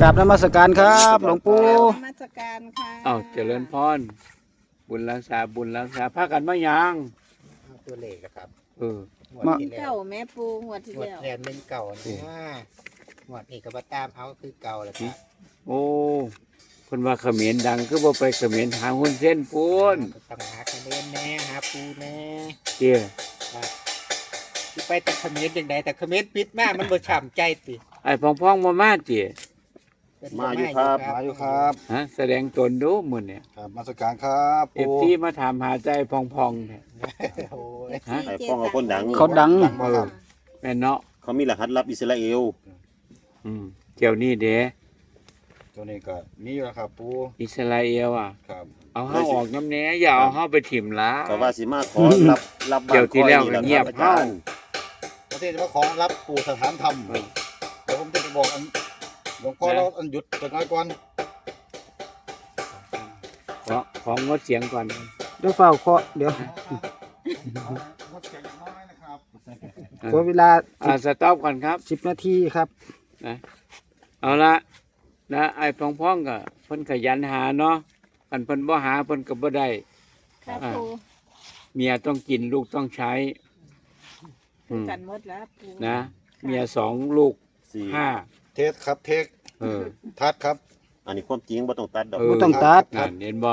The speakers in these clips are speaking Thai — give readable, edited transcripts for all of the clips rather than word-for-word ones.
ราบนมัสการครับหลวงปู่นมัสการค่ะอ้าวเจริญพรบุญรักษาพากันมายังตัวเลขนะครับเอองวดที่แล้เก่าว แม่ปูงวดที่งวดแล้วแรกเป็นเก่านะงวดนี้ก็มาตามเอาคือเก่าแหละครับโอ้คนว่าเขมรดังก็บ่ไปเขมรหาหุ้นเส้นปูนต้องหาคะแนนแน่หาปูแน่เตี้ยที่ไปแต่เขมรยังไงแต่เขมรปิดมามันบ่ฉ่ำใจติไอ้พองๆมาเตี้ยมาอยู่ครับมาอยู่ครับฮะแสดงตนดูมื้อเนี่ยครับมาสการครับเอฟซีมาถามหาใจพองๆเนี่ยโอ้ยฮะไอ้พ่อเขาคนดังเขาดังแม่นเนาะเขามีรหัสลับอิสราเอลเที่ยวนี้เด้ตัวนี้ก็มีอยู่แล้วครับปูอิสราเอลอ่ะครับเอาเฮาออกน้ำแหน่อย่าเอาเฮาไปถิ่มละก็ว่าสิมาขอรับบ้านเดี๋ยวที่แล้วก็เงียบอาจารย์ประเทศว่าของรับปู่สถานธรรมเดี๋ยวผมจะไปบอกอันหลวงพ่อเราอันหยุดตัวน้อยก่อนของงดเสียงก่อนเดี๋ยวเฝ้าเคาะเดี๋ยวงดเสียงน้อยนะครับขอเวลาสต็อปก่อนครับ 10 นาทีครับเอาละนะไอ้พ้องๆก็เพิ่นขยันหาเนาะอันเพิ่นบ่หาเพิ่นก็บ่ได้ครับปูเมียต้องกินลูกต้องใช้อืมกันหมดแล้วปูนะเมีย2ลูกสี่ 5 เทสครับเทคเออทัดครับอันนี้ความจริงบ่ต้องตัดดอกบ่ต้องตัดนั่นเห็นบ่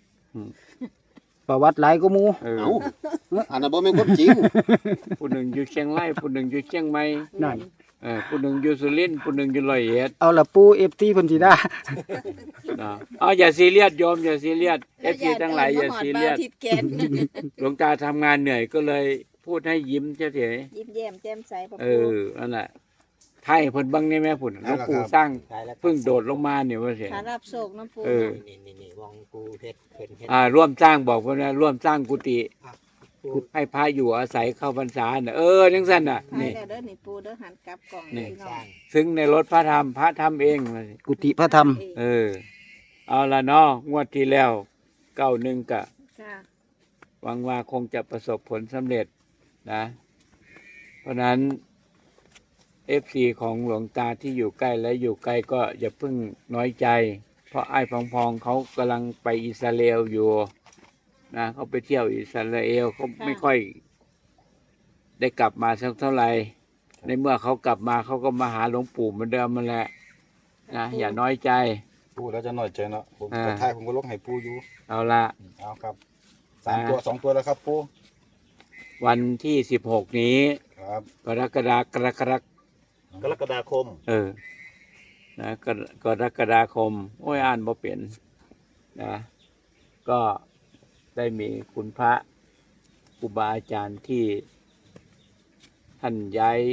ประวัติหลายก็หมูเออเอ้าอันนั้นบ่แม่นความจริงผู้หนึ่งอยู่เชียงรายผู้หนึ่งอยู่เชียงใหม่นั่นผู้หนึ่งอยู่สุรินทร์ผู้หนึ่งอยู่ร้อยเอ็ดเอาละปู FT เพิ่นสิได้นะเอาอย่าซีเรียสโยมอย่าซีเรียส FC ทั้งหลายอย่าซีเรียสทิดแกนหลวงตาทำงานเหนื่อยก็เลยพูดให้ยิ้มเฉยยิ้มแย้มแจ่มใสปะๆเอปูอนั่นแหละไทยเพิ่นเบังนี่แม่พุ่นหลวงปู่สร้างตายแล้วเพิ่งโดดลงมาเนี่ยว่าเสียถ้ารับโศกน้ำปูเออนี่วงปูเพชรเพิ่นเฮ็ดร่วมสร้างบอกว่านะร่วมสร้างกุฏิปูให้พระอยู่อาศัยเข้าพรรษาน่ะจังซั่นน่ะถ่ายนี่แล้วเด้อนี่ปูเด้อหันกลับกล่องนี่พี่น้สอร้าง งซึ่งในรถพระธรรมพระทำเองว่าสิกุฏิพระธรรมเออ เอาละเนาะงวดที่แล้ว91กะค่ะหวังว่าคงจะประสบผลสำเร็จนะ เพราะนั้น FC ของหลวงตาที่อยู่ใกล้และอยู่ไกลก็อย่าเพิ่งน้อยใจ เพราะไอ้พองๆเขากำลังไปอิสราเอลอยู่นะเขาไปเที่ยวอิสราเอลเขาไม่ค่อยได้กลับมาสักเท่าไหร่ในเมื่อเขากลับมาเขาก็มาหาหลวงปู่เหมือนเดิมมันแหละนะอย่าน้อยใจปูแล้วจะหน่อยใจเนาะผมอ่ากระทายผมก็ลงให้ปูอยู่เอาละเอาครับ3 ตัว 2 ตัวแล้วครับปูวันที่16นี้ครับกรกฎากรกฎากรกฎาคมนะกรกฎาคมโอ้ยอ่านบ่เป็นนะก็ได้มีคุณพระครูบาอาจารย์ที่ท่านย้าย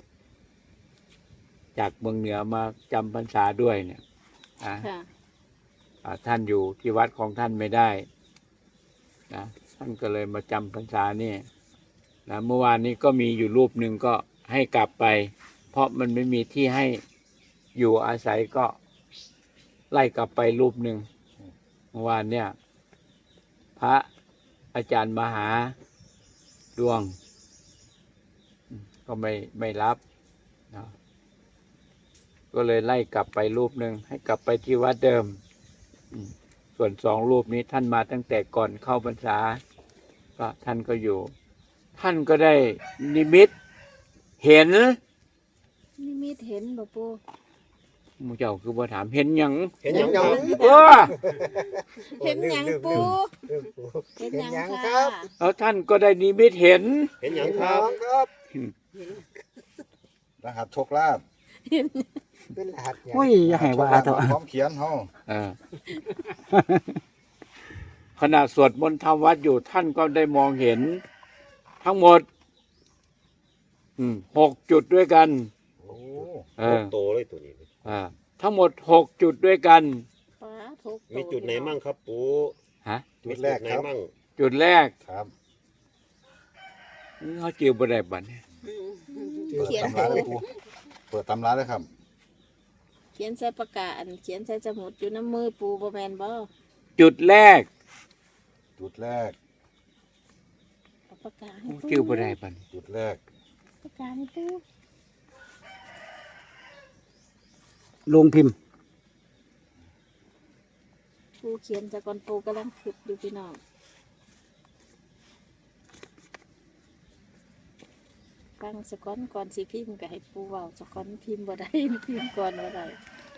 จากเมืองเหนือมาจำพรรษาด้วยเนี่ยนะค่ะท่านอยู่ที่วัดของท่านไม่ได้นะท่านก็เลยมาจำพรรษาเนี่ยนะเมื่อวานนี้ก็มีอยู่รูปหนึ่งก็ให้กลับไป เพราะมันไม่มีที่ให้อยู่อาศัยก็ไล่กลับไปรูปหนึ่งเมื่อวานเนี่ยพระอาจารย์มหาดวงก็ไม่รับนะก็เลยไล่กลับไปรูปหนึ่งให้กลับไปที่วัดเดิมส่วน2 รูปนี้ท่านมาตั้งแต่ก่อนเข้าพรรษาก็ท่านก็อยู่ ท่านก็ได้นิมิตเห็นนิมิตเห็นบ่ปูหมู่เจ้าคือบ่ถามเห็นหยังเห็นหยังครับเออเห็นหยังปูเรื่องปูเห็นหยังเห็นหยังครัค่ะบแล้วท่านก็ได้นิมิตเห็นเห็นหยังครับครับรหัสโชคลาภเป็นรหัสหยังโอ้ยอย่าให้ว่าเถอะพร้อมเขียนเฮาเออ ขณะสวดมนต์ทำวัดอยู่ท่านก็ได้มองเห็น ทั้งหมด6 จุดด้วยกันโอ้เออโตเลยตัวนี้ทั้งหมด6 จุดด้วยกันฟ้าทุกมีจุดไหนมั่งครับปูฮะจุดแรกมีครับไหนมั่งจุดแรกครับเขาจิวบ่ได้บัดนี้เปิดเขียนตำราเลยปูเปิดตำราเลยครับเขียนใส่ปากกาเขียนใส่สมุดอยู่น้ำมือปูบ่แม่นบ่จุดแรกจุดแรกเอาปากกาให้ปูจิวบ่ได้บัดนี้จุดแรกปากกาให้ปูลงพิมพ์เขียนจากก่อนปูกำลังคิดอยู่พี่น้องฟังสะก้อนก่อนสิพิมพ์ก็ให้ปูเว้าสะก้อนพิมพ์บ่ได้ พิมพ์ก่อนบ่ได้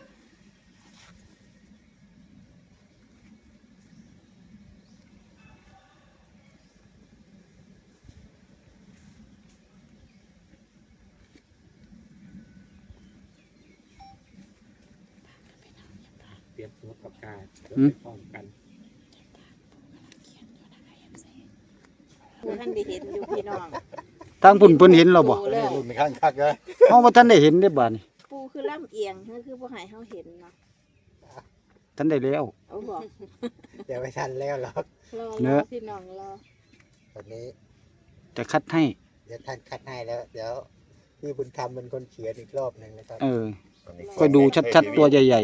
เปลี่ยนสมุดปากกาเดี๋ยวหืมไปพร้อมกันปูท่านได้เห็นอยู่พี่น้องทางพุ่นเพิ่นเห็นเราบ่ปูแล้วรุ่นข้างคักเลยเฮาบ่ทันได้เห็นเด้บาดนี้ปูคือล่ำเอียงคือบ่ให้เฮาเห็นเนาะทันได้แล้วเอาบอกเดี๋ยวไม่ทันแล้วหรอกรอเนรออะพี่น้องรอตอนนี้จะคัดให้เดี๋ยวท่านคัดให้แล้ว เดี๋ยวพี่บุญธรรมเป็นคนเขียนอีกรอบหนึ่งนะครับเออก็ดูชัดๆตัวใหญ่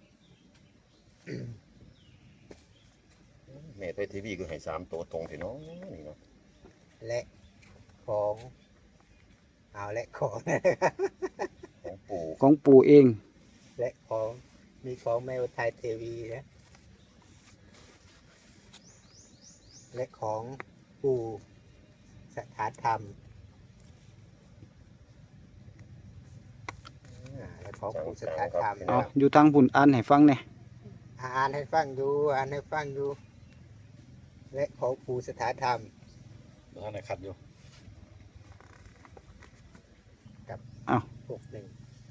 แม่ไทยทีวีก็ให้3ตัวตรงพี่น้องนี่เนาะและของเอาและของนะของปู่ๆของปู่เองและของมีของแม่อุทัยเทวีนะและของปู่สถานธรรมและของปู่สถานธรรมเอาอยู่ทางพุ่นอ่านให้ฟังแหน่อ่านให้ฟังดูอ่านให้ฟังดูและของปู่สถานธรรมท่านไหนขัดอยู่ 61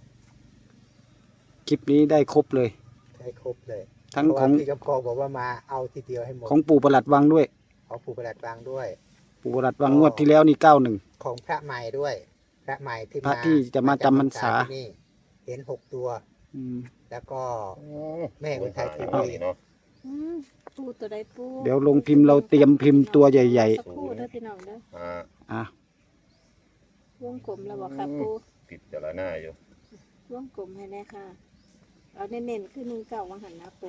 คลิปนี้ได้ครบเลยให้ครบเลยทั้งเพราะขว่าองพี่กำกองบอกว่ามาเอาทีเดียวให้หมดของปู่ประหลัดวังด้วยของปู่ประหลัดวางด้วยปู่ประหลัดวังงวดที่แล้วนี่91 ของพระใหม่ด้วย พระใหม่ที่พระที่จะมาจำพรรษาที่นี่เห็น6 ตัวอืมแล้วก็ แม่อุทัยทีวีนี่เนาะอืมปูตัวใดปูเดี๋ยวลงพิมพ์เราเตรียมพิมพ์ตัวใหญ่สักครู่เด้อพี่น้องเด้อๆอ่ะวงกลมแล้วบอกค่ะปูผิดแต่ละหน้าอยู่วงกลมให้แน่ค่ะเอาเน้นๆคือ19วังหันนะปู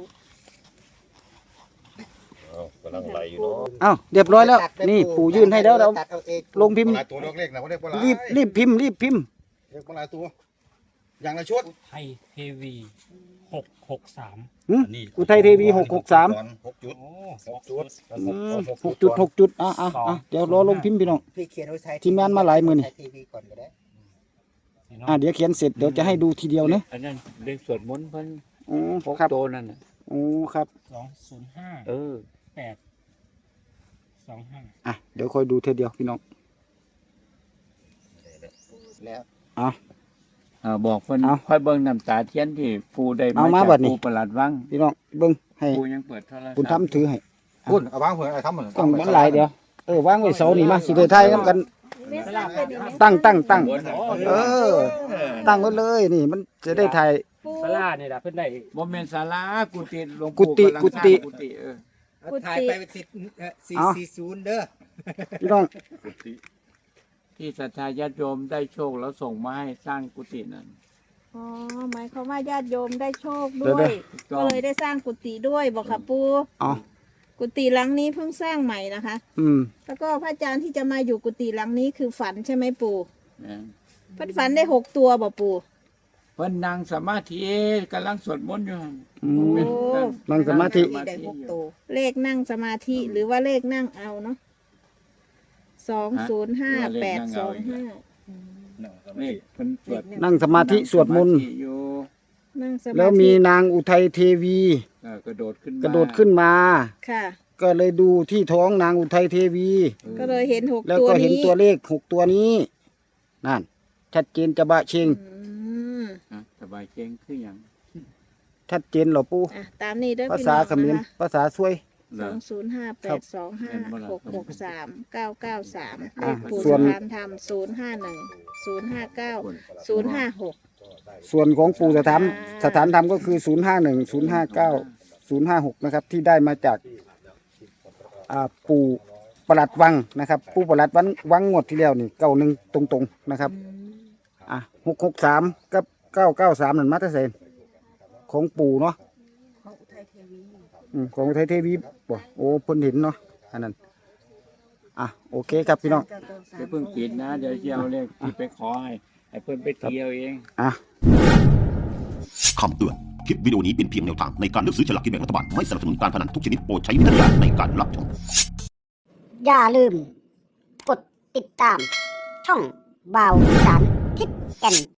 เอากำลังไหลอยู่เนาะอ้าวเรียบร้อยแล้ว นี่ปู่ยื่นให้แล้วเราตัดเอาเองลงพิมพ์หลายตัวเลขนะว่าได้ปลารีบพิมพ์รีบพิมพ์เลขปลายตัว อย่างละชุดไทยเทวี663 หึอุทัยเทวี663 6 จุดโอ้ 6 จุด 6 จุด6 จุดเดี๋ยวรอลงพิมพ์พี่น้องพี่เขียนอุทัยทีมงานมาหลายมือนี่อุทัทีวีก่อนก็ได้เดี๋ยวเขียนเสร็จเดี๋ยวจะให้ดูทีเดียวนะอันนั้นเรื่องสวดมนต์เพิ่นอ๋อพกครับโตนั่นน่ะอ๋อครับเออ 205 เดี๋ยวคอยดูเทเดียวพี่น้องแล้วบอกเพิ่นเอาค่อยเบิ่งน้ำตาเทียนที่ปู่ได้เอามาจากบัดนี้ปู่ประหลัดวังพี่น้องเบิ้งให้ปู่ยังเปิดโทรศัพท์คุณทำถือให้คุณเอาวางเผื่อไอ้ทำเหมือนกล้องมันหลายเดี๋ยววางไว้เสานี่มาสิได้ถ่ายนำกันเล่นสลับเป็นอีกไหมตั้งเออตั้งไว้เลยนี่มันจะได้ถ่ายปูสลานี่ล่ะเพิ่นได้บ่แม่นศาลากุฏิหลวงกุปู่ฏิกำลังกุสร้างฏิกุฏิเออถ่ายไปติดเอา 440เด้อพี่น้องที่ศรัทธาญาติโยมได้โชคแล้วส่งมาให้สร้างกุฏินั่นอ๋อหมายความว่าญาติโยมได้โชคเดี๋ด้ยววยถูกก็ต้องเลยได้สร้างกุฏิด้วยบอกค่ะปูอ๋อกุฏิหลังนี้เพิ่งสร้างใหม่นะคะอืมแล้วก็พระอาจารย์ที่จะมาอยู่กุฏิหลังนี้คือฝันใช่ไหมปู่นะเพิ่นฝันได้6 ตัวบ่ปู่เพิ่นนั่งสมาธิกำลังสวดมนต์อยู่อืมโอ้นั่งสมาธิได้6ตัวเลขนั่งสมาธิหรือว่าเลขนั่งเอาเนาะ205825 นี่เพิ่นสวดนั่งสมาธิสวดมนต์อยู่นั่งสมาธิแล้วมีนางอุทัยเทวีกระโดดขึ้นมากระโดดขึ้นมาค่ะก็เลยดูที่ท้องนางอุทัยเทวีก็เลยเห็น6 แล้วตัวก็เห็นนี้ตัวเลข6ตัวนี้นั่นชัดเจนจะบะเชงอืมสบายเก่งคืออย่างชัดเจนเหรอปู่อ่ะตามนี้เด้อภาพี่ษาน้องเขมรนะคะภาษาซวย 205825663993 อ่ะปู่ส่วนสถานธรรม051 059 056 ส่วนของปู่สถานธรรมก็คือ 051 059 056 นะครับ ที่ได้มาจากปู่ประหลัดวังนะครับ ปู่ประหลัดวังงวดที่แล้วนี่91ตรงๆนะครับ 663กับ993นั่นมาแต่ไสนของปู่เนาะของอุทัยเทวีบ่โอ้เพิ่นเห็นเนาะอันนั้นโอเคครับพี่น้องเดี๋ยวเพิ่งปิดนะเดี๋ยวจะเอาเลขที่ไปขอให้เพิ่นไปเที่ยวเองคำเตือนคลิปวิดีโอนี้เป็นเพียงแนวทางในการเลือกซื้อฉลากกินแบ่งรัฐบาล ไม่สนับสนุนการพนันทุกชนิดโปรดใช้วิจารณญาณในการรับชมอย่าลืม กดติดตาม ช่องบ่าวอีสานทิศแก่น